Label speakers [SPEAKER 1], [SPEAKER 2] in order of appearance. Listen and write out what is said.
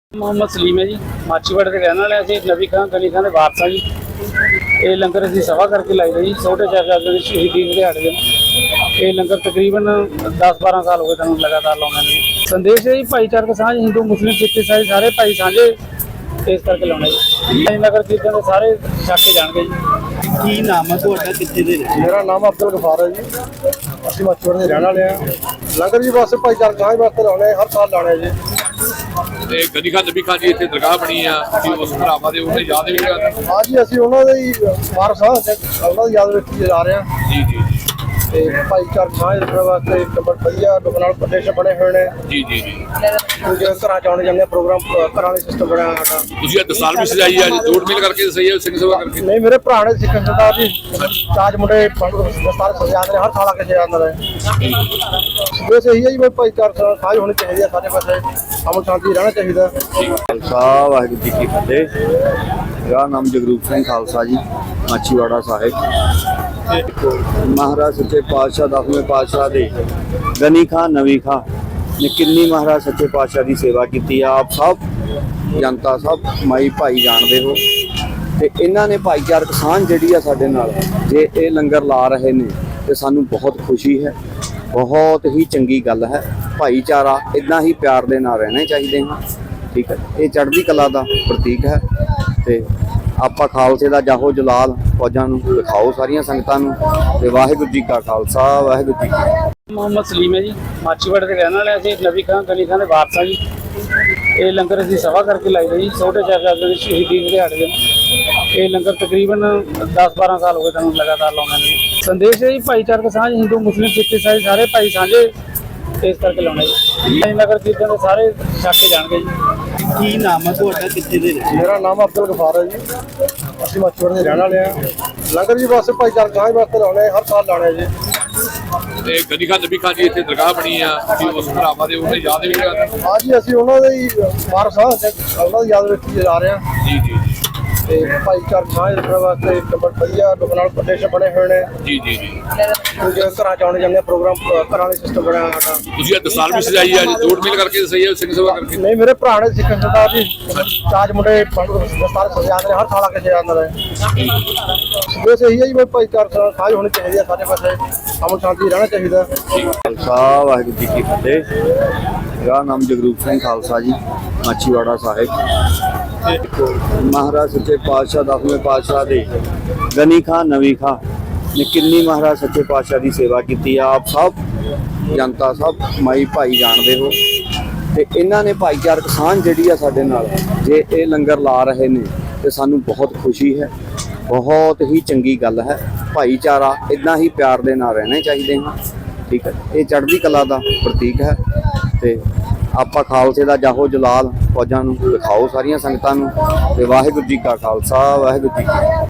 [SPEAKER 1] मोहम्मद सलीम है जी। माछीवाड़े के रहने वाले ਅਸੀਂ ਨਵੀਂ ਖਾਂ ਗਲੀ ਖਾਂ ਦੇ ਵਾਰਸ ਆ ਜੀ। ਇਹ ਲੰਗਰ ਅਸੀਂ ਸਭਾ ਕਰਕੇ ਲਾਈਦਾ ਜੀ ਛੋਟੇ ਸਾਹਿਬਜ਼ਾਦੇ ਦੀ ਸ਼ਹੀਦੀ ਦੇ ਦਿਹਾੜੇ ਦੇ। ਇਹ ਲੰਗਰ ਤਕਰੀਬਨ 10-12 ਸਾਲ ਹੋ ਗਏ ਤੁਹਾਨੂੰ ਲਗਾਤਾਰ ਲਾਉਂਦੇ ਨੇ। ਸੰਦੇਸ਼ ਹੈ ਜੀ ਭਾਈਚਾਰਕ ਸਾਂਝ, ਹਿੰਦੂ ਮੁਸਲਿਮ ਸਿੱਖ ਈਸਾਈ ਸਾਰੇ ਭਾਈ ਸਾਂਝੇ ਇਸ ਕਰਕੇ ਲਾਉਣਾ ਜੀ। ਨਗਰ ਕੀਰਤਨ ਦੇ ਸਾਰੇ ਛੱਕ ਕੇ ਜਾਣਗੇ ਜੀ।
[SPEAKER 2] ਕੀ ਨਾਮ ਹੈ ਤੁਹਾਡਾ, ਕਿੱਥੇ ਦੇ ਨੇ?
[SPEAKER 3] ਮੇਰਾ ਨਾਮ ਅਬਦੁਲ ਗਫਾਰ ਹੈ ਜੀ। ਅਸੀਂ ਮਾਛੀਵਾੜੇ ਦੇ ਰਹਿਣ ਵਾਲੇ ਹਾਂ। ਲੰਗਰ ਜੀ ਬਸ ਭਾਈਚਾਰਕ ਸਾਂਝ ਵਾਸਤੇ ਲਾਉਣੇ, ਹਰ ਸਾਲ ਲਾਉਣੇ ਜੀ।
[SPEAKER 4] ਤੇ ਗਨੀ ਖਾਨ ਨਬੀ ਖਾਨ ਜੀ ਇੱਥੇ ਦਰਗਾਹ ਬਣੀ ਆ, ਤੁਸੀਂ ਉਸ ਭਰਾਵਾਂ ਦੇ ਉਹਨੇ ਯਾਦ ਵੀ ਕਰਦੇ?
[SPEAKER 3] ਹਾਂ ਜੀ, ਅਸੀਂ ਉਹਨਾਂ ਦੇ ਹੀ ਵਾਰਸ ਹਾਂ, ਉਹਨਾਂ ਦੀ ਯਾਦ ਵਿੱਚ ਜਾ ਰਹੇ ਹਾਂ।
[SPEAKER 4] ਜੀ ਜੀ ਜੀ
[SPEAKER 3] ਤੇ ਭਾਈਚਾਰਕ ਸਾਂਝ ਰੱਖਣ ਵਾਸਤੇ ਨੰਬਰ ਵਧੀਆ ਲੋਕਾਂ ਨਾਲ ਪ੍ਰਦੇਸ਼ ਬਣੇ ਹੋਏ ਨੇ।
[SPEAKER 4] ਜੀ ਜੀ ਜੀ
[SPEAKER 3] ਕਿਉਂਕਿ ਘਰਾਂ ਚ ਆਉਣੇ ਜਾਂਦੇ ਪ੍ਰੋਗਰਾਮ, ਘਰਾਂ ਦੇ ਸਿਸਟਮ ਬਣਿਆ ਸਾਡਾ।
[SPEAKER 4] ਤੁਸੀਂ ਇਹ ਦਸਾਲ ਵੀ ਸਜਾਈ ਆ, ਜੋੜ ਮੇਲ ਕਰਕੇ ਸਹੀ ਹੈ, ਸਿੰਘ ਸਭਾ ਕਰਕੇ?
[SPEAKER 3] ਨਹੀਂ, ਮੇਰੇ ਭਰਾ ਨੇ ਸਿੱਖ ਸਰਦਾਰ ਜੀ ਚਾਜ ਮੁੰਡੇ ਦਸਤਾਰ ਸਜਾਉਂਦੇ ਨੇ, ਹਰ ਸਾਲ ਆ ਕੇ ਸਜਾਉਂਦੇ ਨੇ। ਬਸ ਇਹੀ ਹੈ ਜੀ, ਭਾਈਚਾਰਕ ਸਾਂਝ ਹੋਣੀ ਚਾਹੀਦੀ ਹੈ ਸਾਰੇ ਪਾਸੇ, ਅਮਨ ਸ਼ਾਂਤੀ ਰਹਿਣਾ ਚਾਹੀਦਾ।
[SPEAKER 2] ਖਾਲਸਾ ਵਾਹਿਗੁਰੂ ਜੀ ਕੀ ਫਤਿਹ। ਮੇਰਾ ਨਾਮ ਜਗਰੂਪ ਸਿੰਘ ਖਾਲਸਾ ਜੀ, ਮਾਛੀਵਾੜਾ ਸਾਹਿਬ। ਮਹਾਰਾਜ ਸੱਚੇ ਪਾਤਸ਼ਾਹ 10ਵੇਂ ਪਾਤਸ਼ਾਹ ਦੇ ਗਨੀ ਖਾਂ ਨਵੀ ਖਾਂ ਨੇ ਕਿੰਨੀ ਮਹਾਰਾਜ ਸੱਚੇ ਪਾਤਸ਼ਾਹ ਦੀ ਸੇਵਾ ਕੀਤੀ ਆ। ਆਪ ਸਭ ਜਨਤਾ ਸਭ ਮਾਈ ਭਾਈ ਜਾਣਦੇ ਹੋ। ਤੇ ਇਹਨਾਂ ਨੇ ਭਾਈਚਾਰਕ ਸਾਂਝ ਜਿਹੜੀ ਆ ਸਾਡੇ ਨਾਲ, ਜੇ ਇਹ ਲੰਗਰ ਲਾ ਰਹੇ ਨੇ ਤੇ ਸਾਨੂੰ ਬਹੁਤ ਖੁਸ਼ੀ ਹੈ, ਬਹੁਤ ਹੀ ਚੰਗੀ ਗੱਲ ਹੈ। ਭਾਈਚਾਰਾ ਇਦਾਂ ਹੀ ਪਿਆਰ ਦੇ ਨਾਲ ਰਹਿਣੇ ਚਾਹੀਦੇ ਹਨ। ਠੀਕ ਹੈ, ਇਹ ਚੜ੍ਹਦੀ ਕਲਾ ਦਾ ਪ੍ਰਤੀਕ ਹੈ। ਤੇ ਆਪਾਂ ਖਾਲਸੇ ਦਾ ਜਾਹੋ ਜਲਾਲ ਫੌਜਾਂ ਨੂੰ ਦਿਖਾਓ, ਸਾਰੀਆਂ ਸੰਗਤਾਂ ਨੂੰ। ਤੇ ਵਾਹਿਗੁਰੂ ਜੀ ਕਾ ਖਾਲਸਾ, ਵਾਹਿਗੁਰੂ ਜੀ ਕੀ।
[SPEAKER 1] मोहम्मद सलीम है जी। माछीवाड़े के रहने वाले ਅਸੀਂ ਨਵੀਂ ਖਾਂ ਗਲੀ ਖਾਂ ਦੇ ਵਾਰਸ ਆ ਜੀ। ਇਹ ਲੰਗਰ ਅਸੀਂ ਸਭਾ ਕਰਕੇ ਲਾਈਦਾ ਜੀ ਛੋਟੇ ਸਾਹਿਬਜ਼ਾਦੇ ਦੀ ਸ਼ਹੀਦੀ ਦੇ ਦਿਹਾੜੇ ਦੇ। ਇਹ ਲੰਗਰ ਤਕਰੀਬਨ 10-12 ਸਾਲ ਹੋ ਗਏ ਤੁਹਾਨੂੰ ਲਗਾਤਾਰ ਲਾਉਂਦੇ ਨੇ। ਸੰਦੇਸ਼ ਹੈ ਜੀ ਭਾਈਚਾਰਕ ਸਾਂਝ, ਹਿੰਦੂ ਮੁਸਲਿਮ ਸਿੱਖ ਈਸਾਈ ਸਾਰੇ ਭਾਈ ਸਾਂਝੇ ਇਸ ਕਰਕੇ ਲਾਉਣਾ ਜੀ। ਨਗਰ ਕੀਰਤਨ ਦੇ ਸਾਰੇ ਛੱਕ ਕੇ ਜਾਣਗੇ ਜੀ।
[SPEAKER 2] ਕੀ ਨਾਮ ਹੈ ਤੁਹਾਡਾ, ਕਿੱਥੇ ਦੇ ਨੇ?
[SPEAKER 3] ਮੇਰਾ ਨਾਮ ਅਬਦੁਲ ਗਫਾਰ ਹੈ ਜੀ। ਅਸੀਂ ਮਾਛੀਵਾੜੇ ਦੇ ਰਹਿਣ ਵਾਲੇ ਹਾਂ। ਲੰਗਰ ਜੀ ਬਸ ਭਾਈਚਾਰਕ ਸਾਂਝ ਵਾਸਤੇ ਲਾਉਣੇ, ਹਰ ਸਾਲ ਲਾਉਣੇ ਜੀ।
[SPEAKER 4] ਤੇ ਗਨੀ ਖਾਨ ਨਬੀ ਖਾਨ ਜੀ ਇੱਥੇ ਦਰਗਾਹ ਬਣੀ ਆ, ਤੁਸੀਂ ਉਸ ਭਰਾਵਾਂ ਦੇ ਉਹਨੇ ਯਾਦ ਵੀ ਕਰਦੇ?
[SPEAKER 3] ਹਾਂ ਜੀ, ਅਸੀਂ ਉਹਨਾਂ ਦੇ ਹੀ ਵਾਰਸ ਹਾਂ, ਉਹਨਾਂ ਦੀ ਯਾਦ ਵਿੱਚ ਜਾ ਰਹੇ ਹਾਂ।
[SPEAKER 4] ਜੀ ਜੀ ਜੀ
[SPEAKER 3] ਤੇ ਭਾਈਚਾਰਕ ਸਾਂਝ ਰੱਖਣ ਵਾਸਤੇ ਨੰਬਰ ਵਧੀਆ ਲੋਕਾਂ ਨਾਲ ਪ੍ਰਦੇਸ਼ ਬਣੇ ਹੋਏ ਨੇ।
[SPEAKER 4] ਜੀ ਜੀ ਜੀ
[SPEAKER 3] ਕਿਉਂਕਿ ਘਰਾਂ ਚ ਆਉਣੇ ਜਾਂਦੇ ਪ੍ਰੋਗਰਾਮ, ਘਰਾਂ ਦੇ ਸਿਸਟਮ ਬਣਿਆ ਸਾਡਾ।
[SPEAKER 4] ਤੁਸੀਂ ਇਹ ਦਸਾਲ ਵੀ ਸਜਾਈ ਆ, ਜੋੜ ਮੇਲ ਕਰਕੇ ਸਹੀ ਹੈ, ਸਿੰਘ ਸਭਾ ਕਰਕੇ?
[SPEAKER 3] ਨਹੀਂ, ਮੇਰੇ ਭਰਾ ਨੇ ਸਿੱਖ ਸਰਦਾਰ ਜੀ ਚਾਜ ਮੁੰਡੇ ਦਸਤਾਰ ਸਜਾਉਂਦੇ ਨੇ, ਹਰ ਸਾਲ ਆ ਕੇ ਸਜਾਉਂਦੇ ਨੇ। ਬਸ ਇਹੀ ਹੈ ਜੀ, ਭਾਈਚਾਰਕ ਸਾਂਝ ਹੋਣੀ ਚਾਹੀਦੀ ਹੈ ਸਾਰੇ ਪਾਸੇ, ਅਮਨ ਸ਼ਾਂਤੀ ਰਹਿਣਾ ਚਾਹੀਦਾ।
[SPEAKER 2] ਖਾਲਸਾ ਵਾਹਿਗੁਰੂ ਜੀ ਕੀ ਫਤਿਹ। ਮੇਰਾ ਨਾਮ ਜਗਰੂਪ ਸਿੰਘ ਖਾਲਸਾ ਜੀ, ਮਾਛੀਵਾੜਾ ਸਾਹਿਬ। ਮਹਾਰਾਜ ਸੱਚੇ ਪਾਤਸ਼ਾਹ 10ਵੇਂ ਪਾਤਸ਼ਾਹ ਦੇ ਗਨੀ ਖਾਂ ਨਵੀ ਖਾਂ ਨੇ ਕਿੰਨੀ ਮਹਾਰਾਜ ਸੱਚੇ ਪਾਤਸ਼ਾਹ ਦੀ ਸੇਵਾ ਕੀਤੀ ਆ। ਆਪ ਸਭ ਜਨਤਾ ਸਭ ਮਾਈ ਭਾਈ ਜਾਣਦੇ ਹੋ। ਤੇ ਇਹਨਾਂ ਨੇ ਭਾਈਚਾਰਕ ਸਾਂਝ ਜਿਹੜੀ ਆ ਸਾਡੇ ਨਾਲ, ਜੇ ਇਹ ਲੰਗਰ ਲਾ ਰਹੇ ਨੇ ਤੇ ਸਾਨੂੰ ਬਹੁਤ ਖੁਸ਼ੀ ਹੈ, ਬਹੁਤ ਹੀ ਚੰਗੀ ਗੱਲ ਹੈ। ਭਾਈਚਾਰਾ ਇਦਾਂ ਹੀ ਪਿਆਰ ਦੇ ਨਾਲ ਰਹਿਣੇ ਚਾਹੀਦੇ ਹਨ। ਠੀਕ ਹੈ, ਇਹ ਚੜ੍ਹਦੀ ਕਲਾ ਦਾ ਪ੍ਰਤੀਕ ਹੈ। ਤੇ ਆਪਾਂ ਖਾਲਸੇ ਦਾ ਜਾਹੋ ਜਲਾਲ ਫੌਜਾਂ ਨੂੰ ਦਿਖਾਓ, ਸਾਰੀਆਂ ਸੰਗਤਾਂ ਨੂੰ। ਤੇ ਵਾਹਿਗੁਰੂ ਜੀ ਕਾ ਖਾਲਸਾ, ਵਾਹਿਗੁਰੂ ਜੀ ਕੀ।